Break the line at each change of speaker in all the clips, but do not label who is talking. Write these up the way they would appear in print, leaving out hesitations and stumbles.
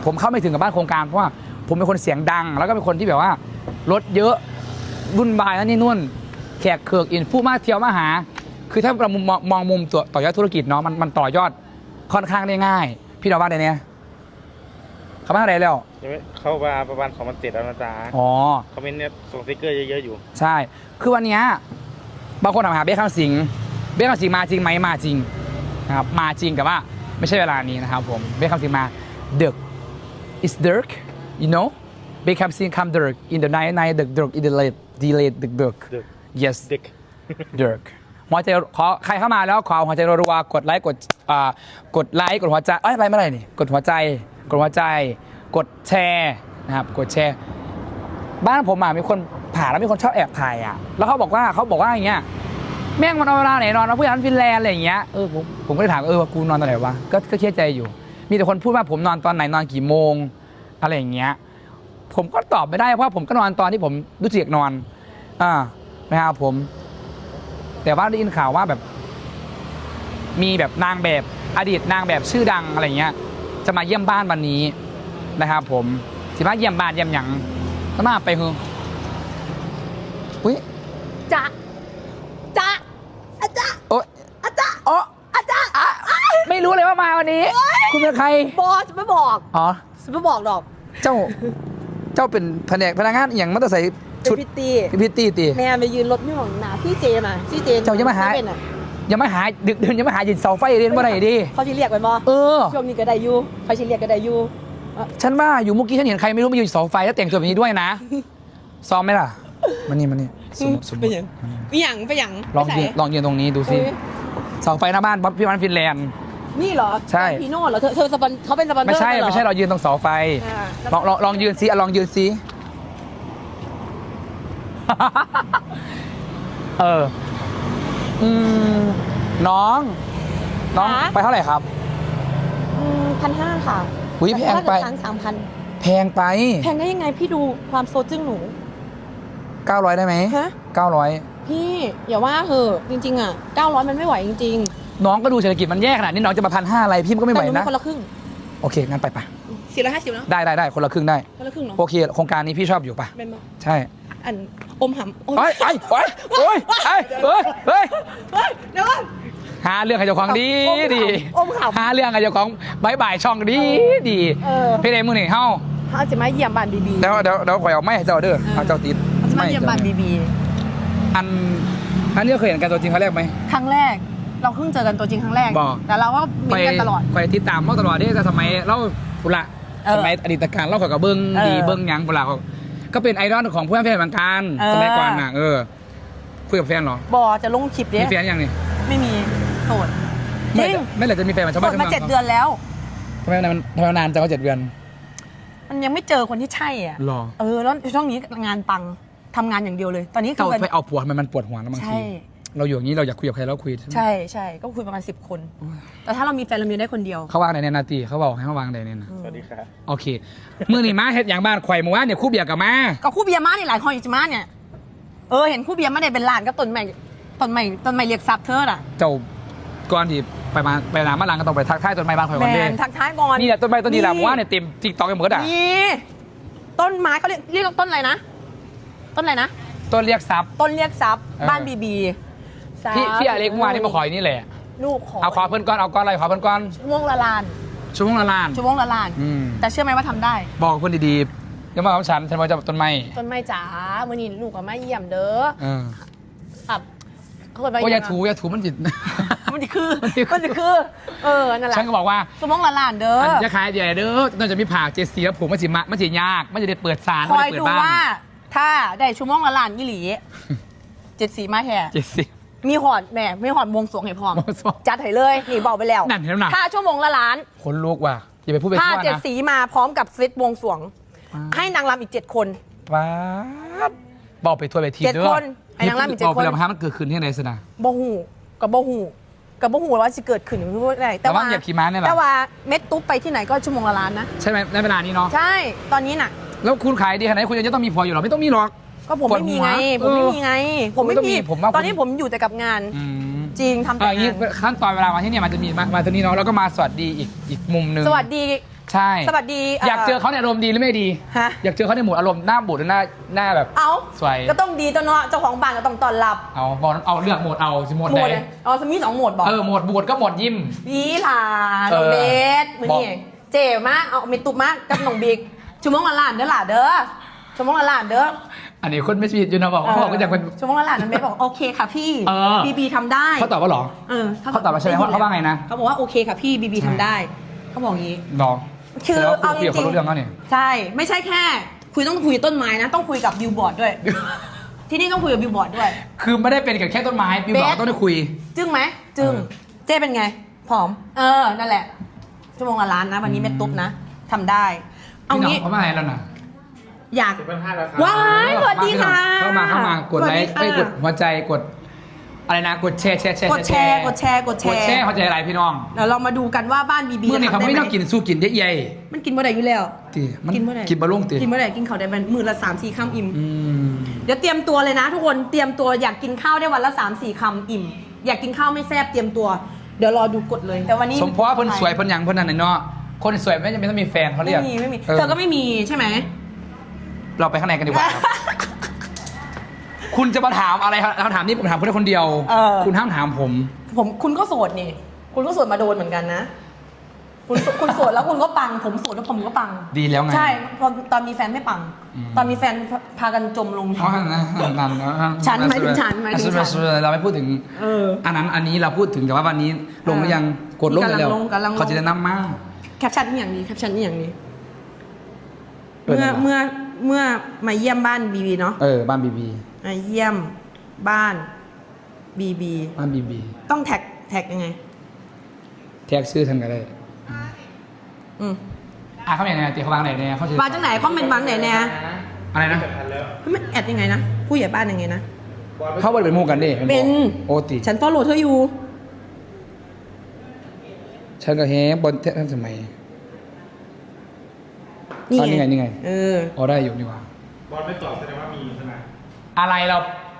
ผมเข้าไม่ถึงกับบ้านโครงการเพราะว่าผมเป็นคนเสียงดังแล้วก็เป็นคนที่แบบว่ารถเยอะวุ่นวายนั่นนี่นู่นแขกเขือกอินฟูมาเที่ยวมาหาคือถ้าเรามองมุมต่อยอดธุรกิจเนาะมันต่อยอดค่อนข้างได้ง่ายพี่ดาวบ้านไหนเนี่ยเขาบ้านอะไรแล้ว
เข้ามาประมาณ2,700แล้วนะจ๊ะ
อ๋อ
คอมเมนต์เนี่ยส่งสติ๊กเกอร์เยอะๆอยู่
ใช่คือวันนี้บางคนถามหาเบ้คำสิงเบ้คำสิงมาจริงไหมมาจริงนะครับมาจริงแต่ว่าไม่ใช่เวลานี้นะครับผมเบ้คำสิงมา Dirk is Dirk you know เบ้คำสิง come Dirk in the night Dirk in the late delayed Dirk yes Dirk หัวใจขอใครเข้ามาแล้วขอหัวใจรัวๆกดไลค์กดไลค์กดหัวใจอะไรไม่ไรนี่กดหัวใจกดแชร์นะครับกดแชร์บ้านผมมีคนผ่านแล้วมีคนชอบแอบถ่ายแล้วเขาบอกว่าอย่างเงี้ยแม่งมันเอาเวลาไหนนอนนะผู้ใหญ่ฟินแลนด์อะไรอย่างเงี้ยผมก็เลยถามว่ากูนอนตอนไหนวะก็เครียดใจอยู่มีแต่คนพูดว่าผมนอนตอนไหนนอนกี่โมงอะไรอย่างเงี้ยผมก็ตอบไม่ได้เพราะผมก็นอนตอนที่ผมรู้สึกนอนนะครับผมแต่ว่าได้ยินข่าวว่าแบบมีแบบนางแบบอดีตนางแบบชื่อดังอะไรเงี้ยจะมาเยี่ยมบ้านวันนี้นะครับผมสิมาเยี่ยมบ้านเยี่ยมหยังก็มาไปคืออุ้ย
จ๊ะอาจารย์
โอ๊ย
อาจารย์
อ๋อ
อาจารย์
ไม่รู้เลยว่ามาวันนี้คุณเป็นใคร
บอสไม่บอก
อ๋อ
ไม่บอกหรอก
เจ้าเป็นพนักงานอย่างมัตใส่ชุด
พิต
ตี้ตี
แม่ไปยืนรถไม่หวังหนาพี่เจมาพี่เจ
เจ้ายังมาหาดึกเดินยังมาหายืนเสาไฟเรียนว่าไรดิ
เขาจะเรียกไปมั้ช่วงนี้ก็ได้ยูเขาจะเรียกก็ได้ยู
ฉันว่าอยู่เมื่อกี้ฉันเห็นใครไม่รู้มายืนเสาไฟแล้วแต่งตัวแบบนี้ด้วยนะซ้อมไหมล่ะมานี่สม
ไปยัง
ลองยืนตรงนี้ดูสิเสาไฟหน้าบ้านพี่วันฟินแลนด์
นี่เหรอ
ใช่
พี่โน่เหรอเธอเขาเป็นสปอนเซอร์
ไม่ใช่เรายืนตรงเสาไฟลองยืนซิลองยืนซิน้องไปเท่าไหร่ครับ
1,500ค่ะ
อุ้ยแพงไป
3,000
แพงไป
แพงได้ยังไงพี่ดูความโซจึ้งหนู
900ได้ไหม900
พี่อย่าว่าเหอะจริงๆ900มันไม่ไหวจริง
ๆน้องก็ดูเศรษฐกิจมันแย่ขนาดนี้น้องจะมา1,500อะไรพี่ก็ไม่ไหวนะ
คนละครึ่ง
โอเคงั้นไป
450เนาะ
ได้คนละครึ่งได้
คนละครึ่งเนาะ
โอเคโครงการนี้พี่ชอบอยู่ปะใช่
อันอมหำ
โอ้ย
เดี๋ยว
หาเรื่องกับเจ้าของดีหาเรื่องกับเจ้าของบ่ายช่องดีพี่เดมึงนี่เฮ้า
จะมาเยี่ยมบ้านบี
เดี๋ยวข่อยเอาไม่ให้เจ้าเด้อเอาเจ้าติด
จะมาเยี่ยมบ้านบี
อันนี้เคยเห็นกันตัวจริงครั้งแรกไหม
ครั้งแรกเราเพิ่งเจอกันตัวจริงครั้งแรกแต่เราก็มีกันตลอด
ข่อยติดตามเขาตลอดนี่แต่สมัยเล่าปุระสมัยอดีตการเล่าข่อยกับเบิ้งดีเบิ้งยังปุระก็เป็นไอดอลของเพื่อนแฟนเหมือนกันสมัยก่อนน่ะคุยกับแฟนหรอบ
อจะลงคลิปเนี่ย
มีแฟนยังนี่
ไม่มีโสด
จริงไม่เลยจะมีแฟนมาชาวบ้าน
มา7 เดือนแล้ว
ทำไมนานจังว่า7 เดือน
มันยังไม่เจอคนที่ใช่
หรอ
แล้วช่วงนี้งานปังทำงานอย่างเดียวเลยตอนนี้
เราไปเอาผัวมันปวดหัวแล้วบางทีเราอยู่อย่างนี้เราอยากคุยกับใครเราคุย
ใช่ก็คุยประมาณ10 คนแต่ถ้าเรามีแฟนเรามีได้คนเดียว
เขาวางในนาทีเขาบอกให้เขาวางในนี่นะ
สวัสดีครับ
โอเคเมื่อนี่มาเฮ็ดอย่างบ้านข่อยเมื่อวานเนี่ยคู่เบียร์กับมา
ก็คู่เบียร์มาเนี่ยหลายคนอยู่จะมาเนี่ยเห็นคู่เบียร์มาเนี่ยเป็นหลานก็ต้นใหม่เรียกซับเธอ
เจ้าก่อนที่ไปน้ำมาลังก็ต้องไปทักทายต้นไม้บ้านข่อยก่อนเลย
ทักทายก่อน
นี่แหละต้นไม้ต้นนี้แหละเมื่อวานเนี่ยเต็มติ๊กต็อกกันหมด
นี่ต้นไม้เขาเรียกต้นอะไรนะต้นอะไรนะ
ต้นเรียกซับ
บ้านบี
ที่อเล็กเมื่อวานที่มาขออยู่นี่แหละ
ลูกขอ
เอาขอเพื่อนก้อนเอาก้อนอะไรขอเพื่อนก้อน
ชั่วโมงละล้านแต่เชื่อไหมว่าทำได้
บอกเพื่อนดีๆยังมาของฉันมาจากต้นไม้
จ๋ามื่อนี้ลูกกับแม่เยี่ยมเด้อครับเขาบอก
ว่าอย่าถูมันจิต
มันจะคือนั่นแหละ
ฉันก็บอกว่า
ชั่วโมงละล้านเด้อ
จะขายใหญ่เด้อน่าจะมีผ่าเจสีแล้วผูกมันจิยากมันจะได้เปิดศาล
คอยดูว่าถ้าได้ชั่วโมงละล้านยี่หลี7 สีมาแห่มีหอดวงสวงให้พร้อมจัดให้เลยนี่บอกไปแล้วถ้าชั่วโมงละล้าน
คนลูกว่ะอย่าไปพูดไป
ทั่ว
นะ
ถ้า7 สีมาพร้อมกับเซตวงสวงให้นางรำอีก7 คน
ว้าบอกไปทั่วไปที
7 คนให้นางรำอีก7 คน
บอกไปแล้วมันเกิดขึ้นที่ไหนสินะ
บ่หูว่าจะเกิดขึ้นหรือว่าอะไร
แต่ว่าเหยียบขี่ม้าเนี่ยแหละ
แต่ว่าเม็ดตุ๊บไปที่ไหนก็ชั่วโมงละล้านนะ
ใช่ไหมในเวลานี้เนาะ
ใช่ตอนนี้น่ะ
แล้วคุณขายดีขนาดไหนคุณยังจะต้องมีผัวอยู่หรอไม่ต้องมีหรอก
ก็ผมไม่มีไงผมไม่มีตอนนี้ผมอยู่แต่กับงานจริงทำแต่งาน
ขั้นตอนเวลามาที่นี่มันจะมีมาตรงนี้เนาะแล้วก็มาสวัสดีอีกมุมนึง
สวัสดี
ใช่
สวัสดี
อยากเจอเขาในอารมณ์ดีหรือไม่ดี
ฮะ
อยากเจอเขาในโหมดอารมณ์หน้าบูดหรือหน้าแบบ
เอา
สวย
ก็ต้องดีตัวเนาะเจ้าของบ้านก็ต้องต้อนรับ
เอาบอกเอาเลือกโหมดเอาสิโหมด
โหม
ไหน
ดเลยอ๋อมี2โหมดบอก
โหมดบูดก็โหมดยิ้ม
วีหลาน้องเบสมือ
บอก
นี่เจ๋มากเอาเมตุมากกับน้องบิ๊กชั่วโมงละล้านเด้อหล่ะเด้อชั่วโมงละล้านเด้อ
อันนี้คนไม่ชีดอยู่นะบอกเขาบอกก็อยากเป็น
ชั่วโมงละล้านน้องเบสบอกโอเคค่ะพี่
เออ
บีบีทำได้
เขาตอบว่าหรอ เขาตอบมาใช่ไหมเขาว่าไงนะ
เขาบอกว่าโอเคค่ะพี่บีบีทำได้เขาบอกอย่างนี้
หรอ
คือ
แสดงว่า
เอาจ
คุยกับ
ริ
เขา
ง
รู้เรื่องแล้วเนี่ย
ๆใช่ไม่ใช่แค่ต้องคุยต้นไม้นะต้องคุยกับบิลบอร์ดด้วย ที่นี่ต้องคุยกับบิลบอร์ดด้วย
คือไม่ได้เป็นกับแค่ต้นไม้พี่บอกว่าต้องได้คุย
จึ้งไหมจึ้ง
เออ
เจ๊เป็นไงผอมนั่นแหละชั่วโมงละล้านนะวันนี้เม็ดตุ๊บนะทำได้ เอา
พี่น้อง
งี้
เขามาอะไรแล้วนะ
อยาก
15แล้วครับ
ว้ายสวัสดีค่ะ
เข้ามากดไลค์
สวัสดี
ไม่
ค่ะ
กดหัวใจกดอะไรนะกดแชร์
กดแชร์กดแชร์
กดแชร์หัวใจอะไรพี่น้อง
เดี๋ยวเรามาดูกันว่าบ้านบีบี
เมื่อนี้เขาไม่ต้องกินสู้กินเยอะใหญ่
มันกินบ่ได้อยู่แล้ว
ตีมัน
กินบ่ได้
กินบะลุ่งตี
กินบ่ได้กินเขาวได้มันมือละ3-4คำอิ่ม
อืม
เดี๋ยวเตรียมตัวเลยนะ ทุกคนเตรียมตัวอยากกินข้าวได้วันละ 3-4 คำอิ่ม อยากกินข้าวไม่แซ่บเตรียมตัว เดี๋ยวรอดูกดเลย แต่วันนี้
สมเพราะว่าเพิ่นสวยเพิ่นหยังเพิ่นนั่นน่ะเนาะคนสวยไม่จำเป็นต้องมีแฟนเขาเรียก
ไม่มีเธอก็ไม่มีใช่ไหม
เราไปข้างในกันดีกว่าครับ คุณจะมาถามอะไรครับคำถามนี้ผมถามเพื่อนคนเดียว คุณห้ามถามผม
คุณก็โสดนี่คุณก็โสดมาโดนเหมือนกันนะ คุณโสดแล้วคุณก็ปัง ผมโสดแล้วผมก็ปัง
ดีแล้วไง
ใช่ตอนมีแฟนไม่ปัง ตอนมีแฟนพากันจมลง
เพราะฉะนั้น
ฉันหมายถึงฉัน
เราไม่พูดถึงอันนั้นอันนี้เราพูดถึงแต่ว่าวันนี้ลงหรือยังกดลงแล้วเขาจะแนะนำมาก
แคปชั่นนี่อย่างนี้แคปชั่นนี่อย่างนี้ เมื่อมาเยี่ยมบ้านบีบีเนาะ
บ้านบีบี
มาเยี่ยมบ้านบีบี
บ้านบีบี
ต้องแท็กยังไง
แท็กชื่อทันกันได้ เขาอย่างไรตีเขาวางไหนเนี่ยเขาชื่อ
บ้านจังไหนคอมเมนต์บ้านไหนเนี่ย
อะไรนะ
มันแอดยังไงนะผู้ใหญ่บ้านยังไงนะ
เขาบ่ได้เป็นหมู่กันดิ
เป็น
โอติ
ฉันฟอลโล่เธออยู่
ฉันก็เฮบนท่านสมัย
นี่
นี่ไงนี่ไง
เ
ได้อยู่นี่หว่า
บอลไม่ตอบแสดงว่ามีใช่ไหม
อะไรเรา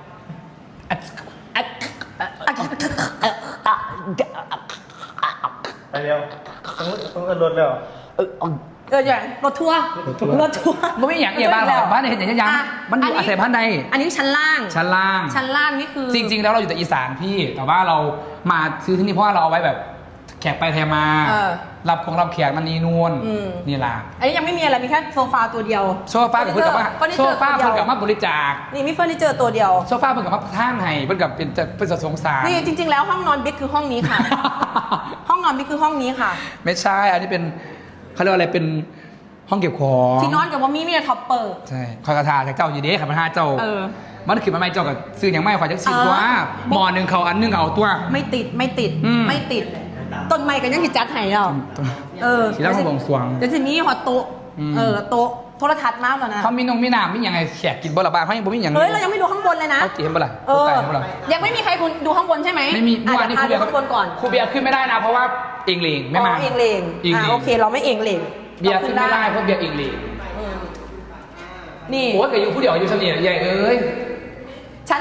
ไปเร็วต้องเอินรถแล้ว
อย่างรถทัวร์รถทัวร์
มันไม่อย่างเอียบ้านเราบ้านเห็นอย่างยังมันอยู่อาศัยบ้านใด
อันนี้ชั้นล่าง
ชั้นล่าง
ชั้นล่างนี่คือ
จริงๆแล้วเราอยู่แต่อีสานพี่ แต่ว่าเรามาซื้อที่นี่เพราะว่าเราเอาไว้แบบแขกไปแทมา รับของรับแขกนั่นนี่นู่นนี่ล่ะ
อันนี้ยังไม่มีอะไรมีแค่โซฟาตัวเดียว
โซฟากับเพื่อนกับว่าโซฟาเพื่อนกับมาบริจาค
นี่มีเฟอร์นิเจอร์ตัวเดียว
โซฟาเพื่อนกับมาท่านให้เพื่อนกับเป็นสงสาร
นี่จริงๆแล้วห้องนอนบิ๊กคือห้องนี้ค่ะ ห้องนอนบิ๊กคือห้องนี้ค่ะ
ไม่ใช่อันนี้เป็นเขาเรียกว่าอะไรเป็นห้องเก็บของ
ที่นอนกับว่ามีแต่ท็อปเปอร์
ใช่คอยกระทาจากเจ้าอยู่เด้ขับมาห้าเจ้ามันคือมันไม่เจ้ากับซื้ออย่างไม่ขอยจักสิบตัวหมอหนึ่งเขาอันหนึงเอาตัว
ไม่ติด
ไม่ติด
ต้นไม้กันยังติดจัดให้เรา
สีแล้วเขาบวงสรวง
แต่ทีนี้หอโต๊ะโต๊ะโทรทัศน์มากแล้วนะ
เขามีนงมีน้ำมีอย่างไงแขกกินบ่ละบ้านเขายังบ่มีอย่าง
เฮ้ยเรายังไม่ดูข้างบนเลยนะ
เขาตีเห็นบ่ละตายเห็นบ่ละ
ยังไม่มีใครคุณดูข้างบนใช่ไหม
ไม่มีเมื่อวานนี้
พา
ครู
ดู
เบียร์
ข้างบนก่อน
ครูเบียร์ขึ้นไม่ได้นะเพราะว่าเองเลงไม่มา
เองเลงโอเคเราไม่เองเลง
เบียร์ขึ้นไม่ได้เพราะเบียร์เองเลง
นี่
โอ้ยแต่อยู่ผู้เดียวอยู่เฉลี่ยใหญ่เอ้ย
ชั้น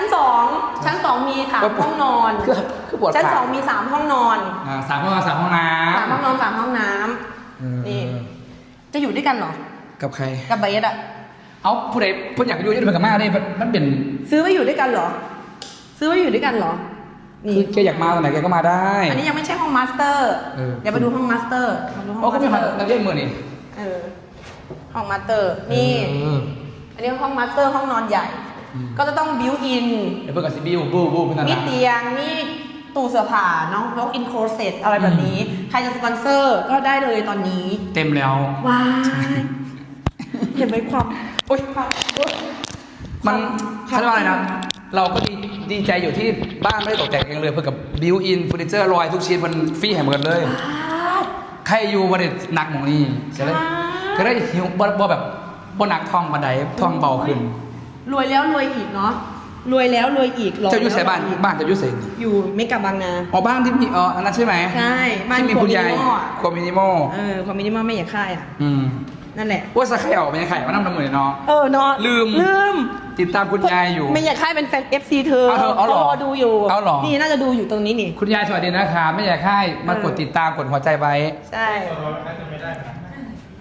2มีค่ะห้องนอน
คือปวดขา
ชั้น2มี3ห้องนอน
สามห้องนอน3 ห้องน้
3ห้องนอน3ห้องน้ำนี่จะอยู่ด้วยกันเหรอ
ำกับใคร
กับเบสอะ
เอาผู้ใดผู้อยากอยู่ด้วยกันมาได้มันเป็น
ซื้อไว้อยู่ด้วยกันเหรอ ซื้อไว้อยู่ด้วยกันเหรอ นี่
คือแกอยากมาตอนไหนแกก็มาได้
อันนี้ยังไม่ใช่ห้องมาสเตอร์เดี๋ยวไปดูห้องมาสเตอร์มาดูห้อง
โอ้ก็
มาส
มี
เต
มา
อร์
เราเรียกมือนี่
ห้องมาสเตอร์นี่อันนี้ห้องมาสเตอร์ห้องนอนใหญ่ ก็จะต้องบิวอิน
เดี๋ยวเพื่อนกับซิบิวบูเป็นอะไร
มีเตียงมีตู้เสื้อผ้าน้องล็อกอินโครเซตอะไรแบบนี้ ใครจะสปอนเซอร์ก็ได้เลยตอนนี้
เต็มแล้ว
ว้ายเห็นไหมความโอ๊ย
มันเขาเรียกว่าอะไรนะเราก็ดีใจอยู่ที่บ้านไม่ได้ตกแต่งเองเลยเพื่อกับบิวอินเฟอร์นิเจอร์ลอยทุกชิ้นมันฟรีแห่หมดเลย ใครอยู่ประเด็นหนักหมองนี่ใช่ไหมก็ได้หิวบ่แบบบ่หนักท่องบันไดท่องเบาขึ้น
รวยแล้วรวยอีกเนาะรวยแล้วรวยอีก
เจ้าอยู่ใส่บ้านจะอยู่ใส่
อยู่เมกะบางนา
อ๋อบ้านที่มีอันนั้นใช่ไหม
ใช่บ้าน
ที่มีคุณยายครัวมินิมอล
ความมินิมอลไม่อยากค่ายอ่ะ นั่นแหละ
ว่าสักไข่ออกไม่ใช่ไข่มานั่งทำเหมือนน้อง
เนาะ
ลืม ติดตามคุณยายอยู่
ไม่อยากค่ายเป็นแฟน FC เธอ
เอาเหรอ
รอดูอยู่
เอาเหรอ
นี่น่าจะดูอยู่ตรงนี้นี่
คุณยายสวัสดีนะครับไม่อยากให้มากดติดตามกดหัวใจไว้
ใช่
น่าจะไม่ได้นะ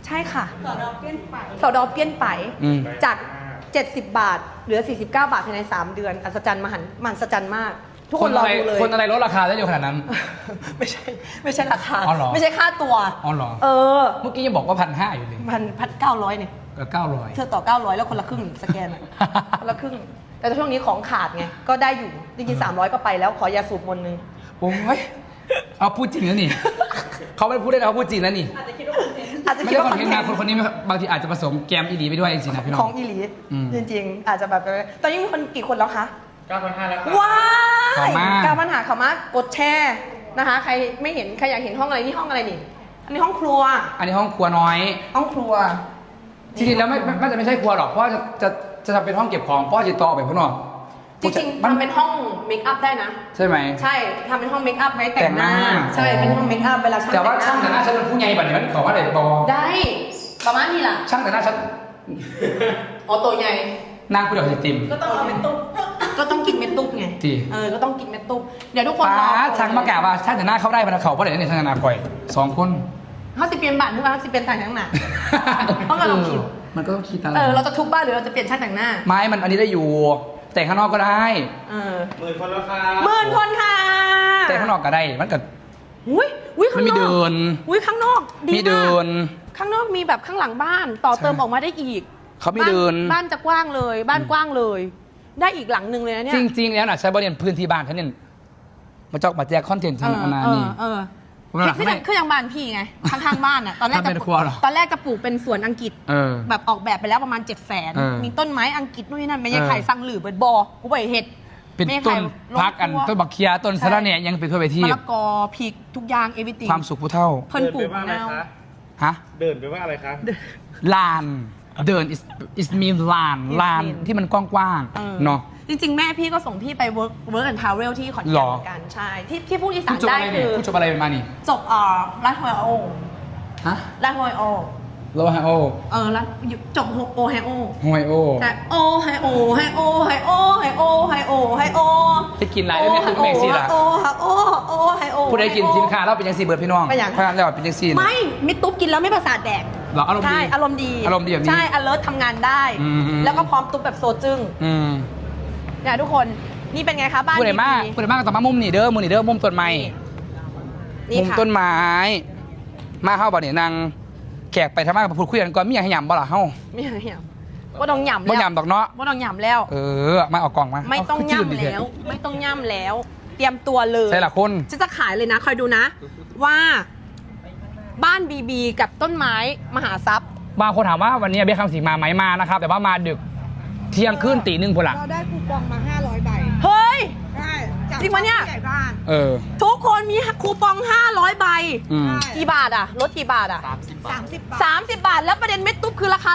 ใช่ค่ะสอดอเปี้ยนไป
อืม
จาก 70 บาทเหลือ 49 บาทภายใน 3 เดือนอัศจรรย์มหัศจรรย์มาก ทุกคนรอดูเลย
คนอะไรลดราคาได้เร็วขนาดนั้น
ไม่ใช่ราคา
อ๋อเหรอ
ไม่ใช่ค่าตัว
อ๋อเหรอ
เออ
เมื่อกี้ยังบอกว่า1,500อยู่เลย
1,900เนี่ย
ก็900
เธอต่อ 900 แล้วคนละครึ่งสแกนอะ คนละครึ่ง แต่ช่วงนี้ของขาดไง ก็ได้อยู่จริงๆ300 ก็ไปแล้วขอยาสูบมนต์นึง
โอ้ยเอาพูดจริงแล้วนี่ เขาไม่ได้พูดได้นะเขาพูดจริงแล้วนี่
อาจจะคิดว่าคอนเทนต์
ไม่ได้คอนเทนต์นะคนนี้บางทีอาจจะผสมแกมอีดีไปด้วยจริงๆนะพี่น้อง
ของอีหลี
อืม
จริงๆ อาจจะแบบตอนนี้มีคนกี่คนแล้วคะ
9,500แล้วครับ
ว้า
ขอย มา
การปัญหาขอมากดแชร์นะคะ ใครไม่เห็นใครอยากเห็นห้องอะไรนี่ห้องอะไรนี่ อันนี้ห้องครัว
อันนี้ห้องครัวน้อย
ห้องครัว
จริงๆแล้วไม่จะไม่ใช่ครัวหรอก เพราะว่าจะทำเป็นห้องเก็บของเพราะว่าจะต่อไปข้างนอก
จริงๆทำเป็นห้องเมคอัพได้นะ
ใช่ไหม
ใช่ทำเป็นห้องเมคอัพไว้แต่งหน้า
แต่งหน้า
ใช่ เป็นห้องเมคอัพเวลาช่าง
แต่ว่าช่างแต่
แต่ง
หน้าฉันเป็นผู้ใหญ่แบบนี้มันขอว่าอะไรบอ
ได้ ประมาณนี้ล่ะ
ช่างแต่หน้าฉัน
อ๋อตัวใหญ่
นางผู้เดียวจะติม
ก็ต้องเอาเม็ดตุ๊บก็ต้องกินเม็ดตุ๊บไง
จริง
ก็ต้องกินเม็ดตุ๊บเดี๋ยวทุกคน
ป้าร
อ
ช่างมากล่าวว่าช่างแต่หน้าเขาได้พนักเขาเพราะอะไรเนี่ยช่างแต่หน้าคอย2 คน
เขาสิเปลี่ยนบ้านหรือว่าเขาสิเปลี่ยนทางหน้า ต้องการลองคิด
มันก็ต้องคิดอะไร
เราจะทุบบ้านหรือเราจะเปลี่ยนช่างแต่งหน้า
ไม้มันอันนี้ได้อยู่ แต่ข้างนอกก็ได้
10,000 คนแล้วครับ
10,000 คนค่ะ
แต่ข้างนอกก็ได้ มันก็
อุ้ยข้างนอก
มันมีเดิน
อุ้ยข้างนอกดี
มีเดิน
ข้างนอกมีแบบข้างหลังบ้านต่อเติม
ใช่
ออกมาได้อีก
เขามีเดิน
บ้านจะกว้างเลย บ้านกว้างเลย ได้อีกหลังหนึ่งเลยนะเนี่ย
จริง ๆ แล้วนะใช้บริเวณพื้นที่บ้านฉันเนี่ยมาจอกมาแจกคอนเทนต์ฉันอันนั้นนี่ ผมหลัก
คือ
ไม่
คือยังบ้านพี่ไงข้างๆบ้านอ่ะตอนแรก
ทำเป็นครัวเหรอ
ตอนแรกจะปลูกเป็นสวนอังกฤษ
เออ
แบบออกแบบไปแล้วประมาณ 700,000 มีต้นไม้อังกฤษนู่นนี่นั่นไม่ใช่ไข่สั่งหรือเบิดบอกูไปเห็ด
เป็น
ไม่ใช่
ต้น
ไข่ลง
พักอัน
ครัว
ต้นบักเคียต้น
ใช่
สะระแหน่ยังเป็นทั่วไปที่
มะละกอพริกทุกอย่างเอวิติ
ความสุขผู้เท่า
เพิ่น
เดิน
ปลู
ไป
ก
ว่าอะไร
แนว
คะ
ฮะ
เดินไปว่าอะไรคะ
ลาน เดิน is mean ลาน
Is
ลาน
mean
ที่มันกว้าง
ออ
ๆเนาะ
จริงๆ แม่พี่ก็ส่งพี่ไป work and travel ที่ขอน
หร
แก่น
อ
เหมือนกันใช่ที่พูดอีสา
ผู้
น
จบ
ได้
อะไร
คื
เนี่ย
อ
ผู้จบอะไรมานี่
จบรัฐไฮโอ
ฮะ
รัฐไฮโอ
โลฮาโอ
รัฐจบโอไฮโอ
ฮวยโอ
ใช่โอไฮโอไฮโอไฮโอไฮโอไฮโอไฮโอ
ที่กินอะไรด้วยเนี่ยคือเมกซี่ล่ะ
โอไฮโอ
ผู้ใดกินสินค้าเราเป็นยังซีเบิร์ดพี่น้อง
เป็นอย่าง
เพราะฉะนั้นแล้วเป็นยังซีนะ
ไม่มิดตุ๊บกินแล้วไม่ประสาทแดก
เหรออารมณ์ดี
ใช่อารมณ์ดี
อารมณ์ดีแบบนี้
ใช่ alert ทำงานได้
อืม
แล้วก็พร้อมตุ๊บแบบโซจึ้ง
อืม
เนี่ยทุกคนนี่เป็นไงคะบ้าน
ผู้ใดมาก
ดีๆ
ผู้ใดมากก็ต้องมามุมนี่เด้อมุมนี่เด้อมุมต้นไม้
นี่
มุม
ค่ะ
ต้นไม้ มาเข้าบ่เนี่ยนางแขกไปทำมากพูดคุยกันก่อนมีอย่างให้ยำบ่ล่ะเฮ้า
ไม่หยำว่าต้องหยำ
บ่
แล้ว
ยำดอกเนาะ
ว่าต้องหยำแล้ว
เออมาเอากล่องมา
ไม่ต้อง
เาจืดดิ
ย่ำแล้ว ไม่ต้องย่ำแล้ว เตรียมตัวเลย
ใช่ละคน
ฉันจะขายเลยนะคอยดูนะ ว่าบ้านบีบีกับต้นไม้มหาทรัพย์
บางคนถามว่าวันนี้เบี้ยคำสิงมาไหมมานะครับ แต่ว่ามาดึกเที่ยงคืนตีหนึ่งพนละ
เราได้คูปองมา 500 ใบ
เฮ้ย
ใช่จาก
จริงปะเนี่ย
ผู้ใหญ่บ้าน
เออ
ทุกคนมีคูปอง 500 ใบ
อืม
ใช่
กี่บาทอะลดกี่บาทอะ
30 บาท
30 บาท แล้วประเด็นเม็ดตุ๊บคือราคา